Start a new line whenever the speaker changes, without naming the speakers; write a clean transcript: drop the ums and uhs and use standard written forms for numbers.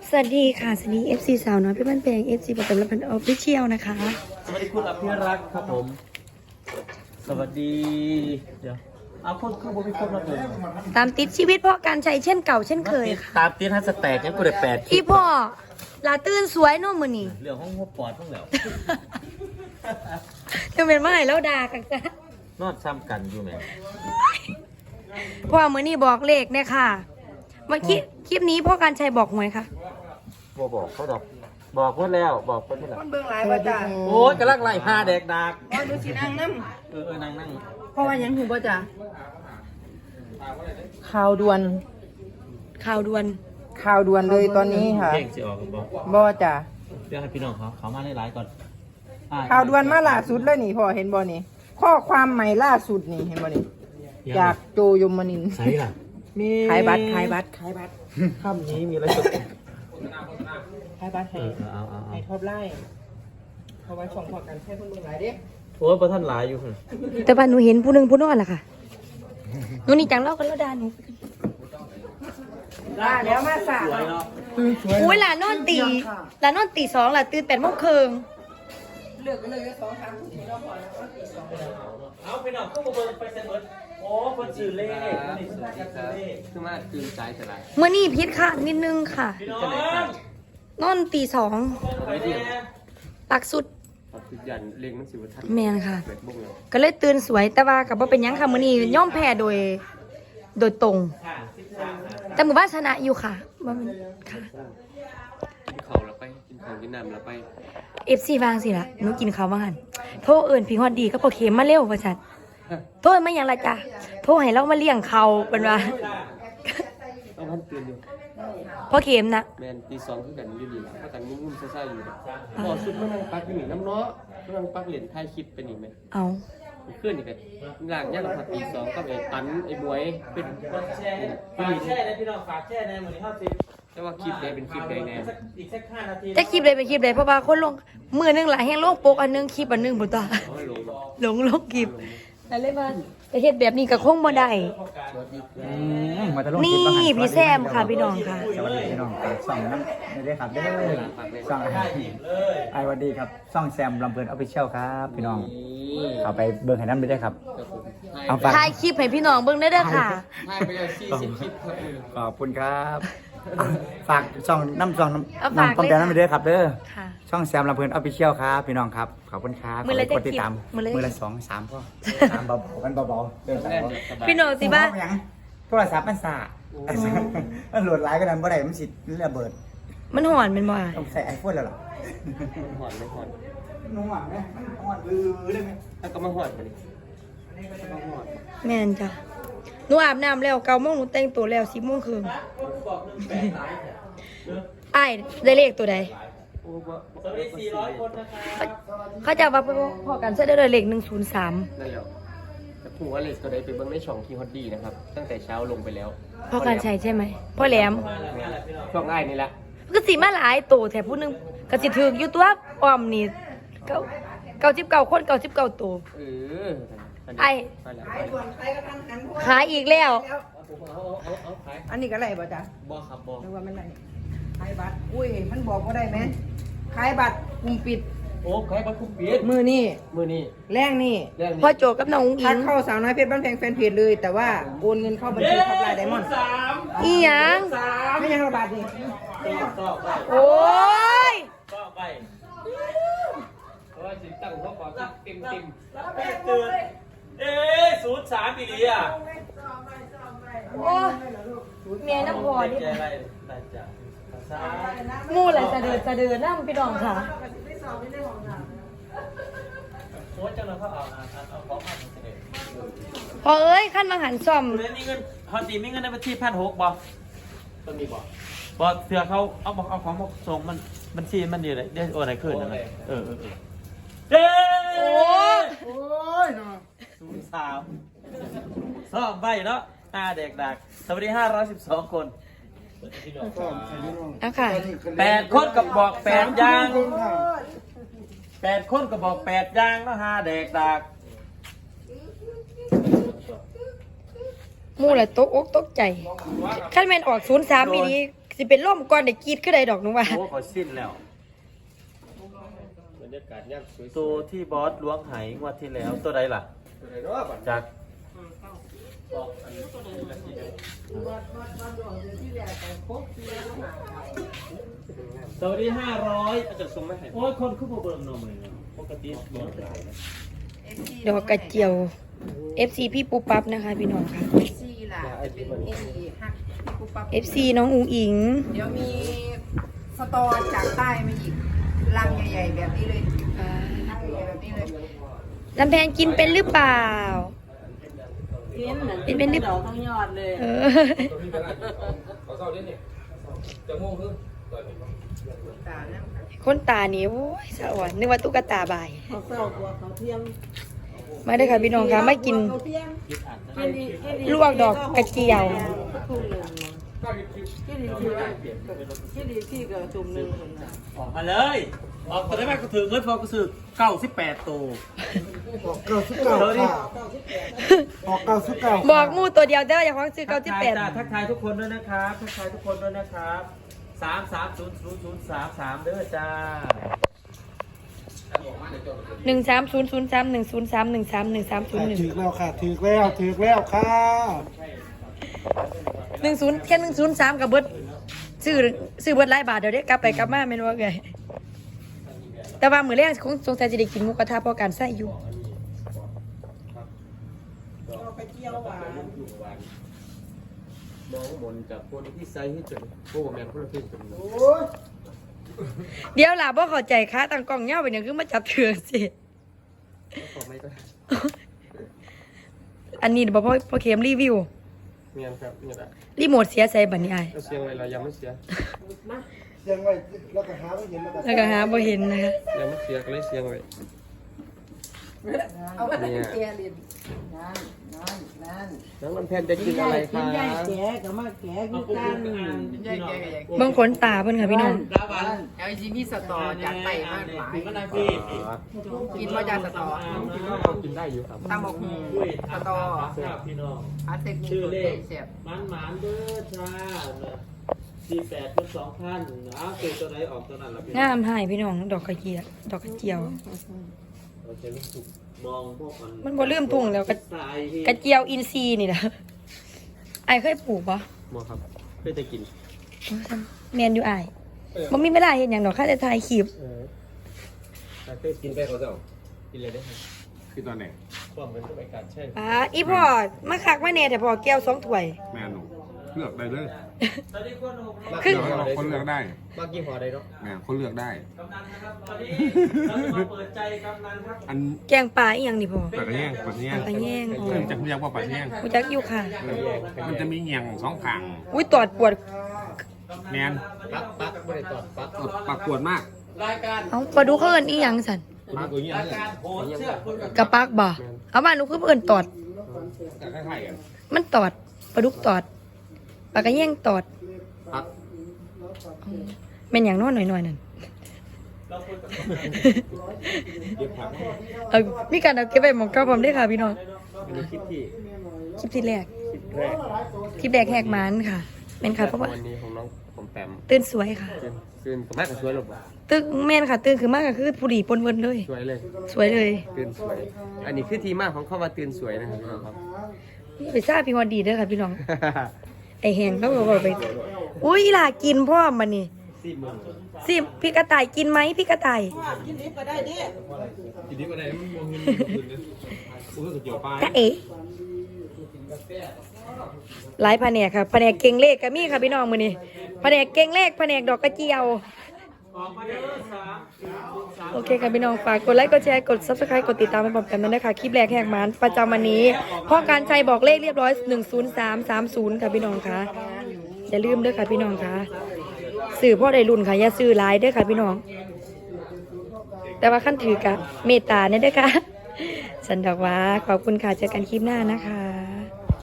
สวัสดีค่ะสวัสดี FC สาวน้อยพี่บ้านแพง FC ประจำรับพันออฟฟิเชียลนะคะ
สวัสดีคุณอภิรักษ์ครับผมสวัสดีเดี๋ยวเอาคนคือผมไม่ครบแล้วเลย
ตามติดชีวิตพ่อการใช้เช่นเก่าเช่นเคยค่ะ
ตามตีนฮัสแตกยังกูได้8
พี่พ่อลาตื่นสวยเน้องมือนี่
เรื่องห้องหัวปอดพวกแล้ว
จะเป็นเมื่อไหร่แล้วด่ากันจ้ะ
นอดซ้ำกันอยู่ไหม
พ่อมือนี่บอกเลขเนี่ยค่ะเมื่อกี้คลิปนี้พ่อการชัยบอกหวยค่ะ
บอกเขาดอกบอกเพื่อนแล้วบอกเพื่อนแล้ว
คนเบิ่งหลายว่าจ้ะ
โอ้ยกำลังไล่ผ้าแดกดัก
ว่าดูสินั่งน้
นั่ง
ำเพราะว่าหยังหูบ่จ้ะข่าวด่วน
ข่าวด่วน
ข่าวด่วนเลยตอนนี้ค่ะ
เพลงสิออกกันบอก
บ่จ้ะ
เดี๋ยวให้พี่น้องเขามาไล่ๆก่อน
ข่าวด่วนมาล่าสุดเลยนี่พ่อเห็นบ่นี่ข้อความใหม่ล่าสุดนี่เห็นบ่นี่จากโจยมนินทร์
ใช่ล่ะมี
ขายบัตร
ค่ำนี้มีอะไรสด
ขายบัตรให้
เอา
ให้ท็อปไลน์เพราะว่าช่องพอกันใช้คนเบิ่งหลายเด้
โอ้ยประท่านหลายอยู่ค่ะ
แต่ว่าหนูเห็นผู้หนึงผู้นอนล่ะค่ะหนูนี่จังเล่ากันแล้วด่าหนู
ล่าแล้วมาสา
สวยเนาะ
อุ้ยหลานนอนตีหลานนอนตีสองหลานตื่น8 โมงครึ่ง
เลือกกันเลย2-3ทุ่มแล้วพอแล้ว
เอาพี่น้องเข้ามาเบิ่งไปเซ็นเบิร์ดโอ้คนสื่อเลขนี่สื่อเลข
คือมาตื่นใจแต่ละ
เมื่อนี่พิษค่ะนิดนึงค่ะ
พี่น้อง
นอนตีสอง
ไม่ได้
ปักสุด
ปัจจุบันเลี้ยงหนังสือวัฒน
แมนค่ะ
เปิดบุ้งเลย
ก็เลยตื่นสวยแต่ว่ากับว่าเป็นหยังค่ะมื้อนี้ย่อมแพ้โดยตรง แต่หมู่บ้านชนะอยู่ค่ะว่ามันค่ะ
กินข้าวแล้วไปกินข้าวกินน้ำแล้วไป
FC วางสิล่ะหนูกินข้าวว่าหั่นโทรเอิ้นพี่ฮอดดีก็พอเข็มมาเร็วว่าซั่นโทรมาหยังล่ะจ้ะโทรให้เรามาเลี้ยงเขาเพิ่นว่า
ต้องพันตื่นอยู่
พอเข็มนะ
แมนตี 2คือกันอยู่ดีละถ้ากันงุ่มๆซ่าๆอยู่พอสุดมานั่งปักอยู่นี่น้ำเนาะมานั่งปักเหรียญถ่ายคลิปไปนี่ไหม
เอา
เคลื่อนนี่กันหลังย่างพอตี 2ก็ไอ้ตันไอ้บวยเป็น
คนแช่ฝากแช่ในพี่น้องฝากแช่ในมือนี้เข้าสิ
แต่ว่าคลิปใดเป็นคลิปใดแน่
อีกสัก5 นาที
จะคลิปใดเป็นคลิปใดเพราะว่าคนลงมือหนึงหลายแฮงลงปกอันหนึงคลิปอันหนึงบ่ตา
โอ้ยลง
ลงคลิปนั่นเลยว่าจะเฮ็ดแบบนี้ก็คงบ่ได้
มาตะลุง
นี่
คลิปบ้างหั
พี่แซมค่ะพี่น้องค่ะ
สวัสดีพี่น้องส่องน้ำไม่ได้ครับเด้อส่องไอ้วันดีครับส่องแซมลำเพลินออฟฟิเชียลครับพี่น้องเข้าไปเบิ่งให้น้ำไปได้ครับ เอาฝาก
ถ่ายคลิปให้พี่น้องเบิ่งได้เด้อค่ะ
ถ่ายไปแล้ว40คลิปครับ
ขอบคุณครับฝากส่องน้ำส่อง
เอา
น้ำ
ฝาก
น้ำป้อมแดง
เลย
น้ำไปได้ครับเด้อ
ค่ะ
ช่องแซมลำเพลินออฟฟิเชียลครับพี่น้องครับขอบคุณครับ
มื้อละ
ขอบคุณติด
จะคลิป
ตาม
มื้อละ
มือละ2-3พ่อ3เบาๆกันเบาๆเดินสาย
พี่น้องสิบ้า
ยังโทรศัพท์มันสามันโหลดหลายก็นั้นบ่ได้มันสิระเบิด
มันหอนเป็นบ่อ่ะ
ต้องใส่ไอโฟนแล้วหรอ
หอนไม่หอน
นุ่งหวังไหมมันหอนลือได้ไหม
แล้วก็มาหอนไปนี่มาหอน
แม่นจ้ะหนูอาบน้ำแล้ว9 โมงหนูแต่งตัวแล้ว10 โมงครึ่งอ้ายได้เลขตัวใด
โอ้ว่า
สวัสดี400 คนนะครับ
เขาจะว่าพอกันใช้ได้เลข103
นั่นแหละแต่ผมว่าเลสตัวใดไปเบิ้งในช่องที่ฮอตดีนะครับ ตั้งแต่เช้าลงไปแล้ว
พอกันใช้ใช่ไหมพ่อแหลม
ช่องง่ายนี่แหละ
ก็สิมาหลายโตแถผู้หนึงก็สิถึกอยู่ตัวอ้อมนี่99คน99โต
เออ
ไอ้
ไปแล้ว
ขายอีกแล้ว
เอาขาย
อันนี้ก็ไรบ่จ้ะ
บอครับบอ
นึกว่ามันไรขายบัตรอุ้ยมันบอกว่าได้ไหมขายบัตรกลุ่มปิด
โอ้ขายบัตรคุ้มปีด
มือนี่
มือนี่
แรงนี่
เรื่องนี้
พ่อโจกับน้องอุ้งอิ
ทัก
ง
เข้าสาวน้อยเพชรบ้านแพงแฟนเพจเลย แต่ว่าโอนเงินเข้าบัญชีท็อปไลน์ไดมอนด์
อีหยัง
ไม่ยังระบาดนี่
โอ้ย
ก็ไป
เพราะว่าสิตั้งหัวขอเต็ม
ตื่น03ปีนี้อ่ะ
โอ้ยเมียน้ำพอนี่
ใจอะไรน่าจะสา
หมู่อะไรจะเดินน้ำพี่น้องค่ะ
โค้ชจังเลยเขาเอาของมาเสนอ
พอเอ้ยขั้นมาหันซ่อม
คุณมีเงินฮอตดีมีเงินในบัญชี1,600บ่
ต้นมีบอก
บ่เสือเขาเอาของมาส่งมันบัญชีมันดีเลยได้โอนอะไรขึ้นนะเออเด้
โอ้
โอ้ยเนาะ
03ซ่อมใบเนาะ5 เด็กดักสวัสดี512 คน
เอาค่ะ
8 คนกับบอก8อย่าง8 คนกับบอก8อย่างเนาะ5 เด็กดัก
หมู่อะไรตกอกตกใจขั้นแม่นออก03ปีนี้สิเป็นล่มก่อนได้กรีดขึ้นได้ดอกหนูว่า
โอ้ขอสิ้นแล้ว
บรรยากาศย่ำสวย
ตัวที่บอสล้วงไหงวดที่แล้วตัวใดล่ะ
ๆอะไรเนาะบัด
จากสวัสดี500
จะส่งไม่ให้
โอ้ยคนขึ้นมาเบิ่งหน่อยนะปกติเบิ่งหลายนะ
ดอกกระเจียว FC พี่ปูปั๊บนะคะพี่น้องค่ะ
ซีล่ะจะเป็นเอฮักพี่ปุ๊บปั๊บ
FC น้องอุ๋งอิง
เดี๋ยวมีสตอจากใต้มาอีกลังใหญ่ๆแบบนี้เลยลังใหญ่ๆแบบนี้เลย
ลำแพนกินเป็นหรือเปล่าเป็นหรือเปล่า
ทั้งยอดเลย
เออ
ตาเนี่ย
คนตานี่โอ้ยสะอ่อนนึกว่าตุ๊กตาบาย
เขาเศร้ากว่าเขาเทียม
มาได้อค่ะพี่น้องค่ะมากิน
เขาเทียมแค่นี้แค่นี้
ลวกดอกกระเจียว
ทุ่มหนึ่งแค่นี้ที่กับจุ่มหนึ่งคนน่ะ
ออกมาเลยออกตัวได้ไหมก็ถือเงินพอก็ซื้อ98ตัว
บอกหมูตัวเดียวเด้ออย่าควางซื้อเก้าสิบแปด
ทักทายทุกคนด้วยนะครับทักทายทุกคนด้วยนะครับ330033เด้อจ้า
13003103133131301
ถือแล้วค่ะถือแล้วค่ะ
10แค่103กับเบิดซื้อเบิดหลายบาทเดี๋ยวได้กลับไปกลับมาแม่นว่าไงแต่ว่ามื้อแรกคงสงสัยจะได้กินหมูกระทะเพราะการใส่อยู่
ไปเที่ยวหวาน
มองมนจากคนที่ไซส์ให้จนโอ้แมนคนละเพศกันเนาะ
เดี๋ยวล่ะบ่เข้าใจค่ะตั้งกล้องยาวไปเนี่ยคือมาจับเถืองสิ
ขอไม่ก็
อันนี้บ่พอเข็มรีวิว
เมียนครับเนี่ยแหละ
รีโมทเสียใส่บัดนี้อ้าย
เราเสียงอะไรเรายังไม่เสีย
เสียงไว้แล้วก็หาไม่เห็นแล้วก็
แล้วก็หาบ่เห็นนะคะ
ยังไม่เสียก็เลยเสียงไว้
เอาไป
เนี่ย
เกลียลินนั่น
น้องลำแพนจะกินอะไรคะ
ยายแก่กับมาแก่คือกัน
ใหญ่แกก็ใหญ่
เบิ่งขนตาเพิ่นค่ะพี่น้อง
เอาจริงๆมีสตอจากใต้มาหลาย
ก็ได้พี่
กินว่าจากสตอ
กินก็กินได้อยู่ครับ
ตำบักหุ่งสตอ
พี่น้อง
อาเทคนิค
ชื่อ
ตัว
เล
เด็
ข
เสียบ
มันเด้อจ้า48เป็น2,000อ้าวคือตัวไหนออกตัวนั้นล่ะพี่
งามหายพี่น้องดอกกระเจียวดอกกระเจียว
โอเคลูกสุกมองพวกมัน
มันบ่ลืมทุ่งแล้ว
สายพี่
กระเจียวอินทรีย์นี่แหละไอ้ายเคยปลูกปะ
หมอครับเพื่อจะกิน
แมนอยู่ไอ้ายบ่มีเวลาเห็นอย่างดอกค่าจะถ่ายคลิป
แต่เคยกินไปเขาจะกินเลยได้ไหมคือตอนไหนความเป็นตัวการใช่
อีพ่อมาคักมาแน่แต่พ่อแก้ว2ถ้วย
แม่หนูเลือกได้เลย
ตอนนี้คนหก
คือ
คนเลือกได้
มากกี่ห่อได้เนาะ
แม่คนเลือกได้
กำนันนะครับตอนนี้เราจะมาเปิดใจกำนันครับ
อัน
แกงปลาอีหยังนี่พ่อ
ปลากระแยงปลากระแยง
ปลากระแยงอ๋อ
เริ่มจากเรียกว่าปลากระแยง
กูจักอยู่ค่ะ
มันจะมีเงียงสองขาง
อุ้ยตอดปวด
แมน
ปักไม่ได้ตอดปัก
ปากปวดมาก
เอ้าปลาดุกเขาเอิ้นอีหยังสั่น
ปากตัวเงี้ย
การโหนเชือกคุณกับ
กระปักบ่เอาบ้านหนูคือเอิ้นตอด
คล้ายๆกัน
มันตอดปลาดุกตอดปลากระแยงตอด
ปัก
แม่นหยังน้อยหน่อยๆนั่น
เย็บผัก
เอามีการเอาเก็บไว้หมองเก้าพร้อมได้อค่ะพี่น้อง
อันนี้คลิปที่
คลิปที่แรก
แรก
คลิปแรกแหกมันค่ะเป็นค่ะเพราะว่า
วันนี้ของน้องผมแปม
ตื่นสวยค่ะ
คืนกับแม่กับช่วยหรอเปล่า
ตื่นแม่นค่ะตื่นคือมากก็คือผู้ดีปนเวินเลย
สวยเลย
สวยเลย
ตื่นสวย อันนี้คือที่มาของเข้ามาตื่นสวยนะครับพี่น้องครับ
นี่ไปทราบพี่ฮอดดีเด้อค่ะพี่น้อง ไอแหงเขาบอกไปอุ้ยอีหล่ากินพ่อมันนี่สิพี่กระต่ายกินไหมพี่กระต่าย
กินดิบก็ได้ดิ
ทีนี้มาไหนมันมองเงินกูรู้สึกเกี่ยวปลาย
กะเอ๋หลายแผนกค่ะแผนกเก่งเลขก็มีค่ะพี่น้องมื้อนี้แผนกเก่งเลขแผนกดอกกระเจียว
ออกมาเด้อ
โอเคค่ะพี่น้องฝากกดไลค์กดแชร์กด Subscribe กดติดตามไปพร้อมกันด้วยนะคะคลิปแรกแหกมันประจำวันนี้พ่อการชัยบอกเลขเรียบร้อย10330ค่ะพี่น้องค่ะอย่าลืมด้วยค่ะพี่น้องค่ะสื่อพ่อได้รุ่นค่ะอย่าซื้อหลายเด้วยค่ะพี่น้อง แต่ว่าขั้นถือกะเมตตาเนี่ยเด้วยค่ะสันดอกว่าขอบคุณค่ะเจอกันคลิปหน้านะคะ